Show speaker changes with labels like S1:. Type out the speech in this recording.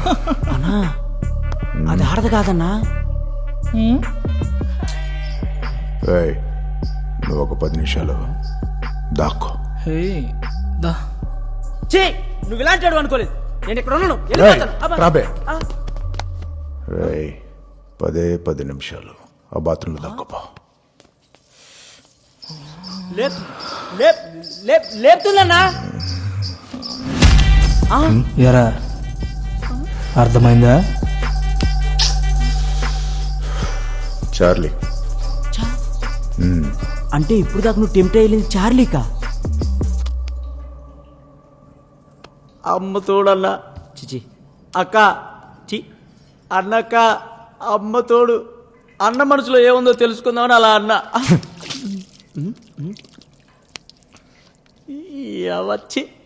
S1: అన్నా అది ఆడదు కాదన్నా.
S2: ఏయ్, నువ్వు ఒక 10 నిమిషాలు దాక్కో.
S1: చే నువ్వు ఇలాంటి వాడు అనుకోలేదు. నేను ఇక్కడ ఉన్నాను.
S2: రేయ్,
S1: వెళ్ళిపోతాను. అబ్బా.
S2: రాబే.
S1: ఆ.
S2: రేయ్, 10 నిమిషాలు ఆ బాత్రూంలో దాక్కోపో.
S1: లేపుతున్నా.
S3: ఎరా అర్థమైందా?
S2: చార్లీ.
S1: అంటే ఇప్పుడు దాకా నువ్వు టెంప్ట్ అయ్యింది చార్లీకా? అమ్మ తోడన్నా. చిచి అక్క చి అన్నక్క అమ్మ తోడు. అన్న మనసులో ఏముందో తెలుసుకుందామని అలా అన్న వచ్చి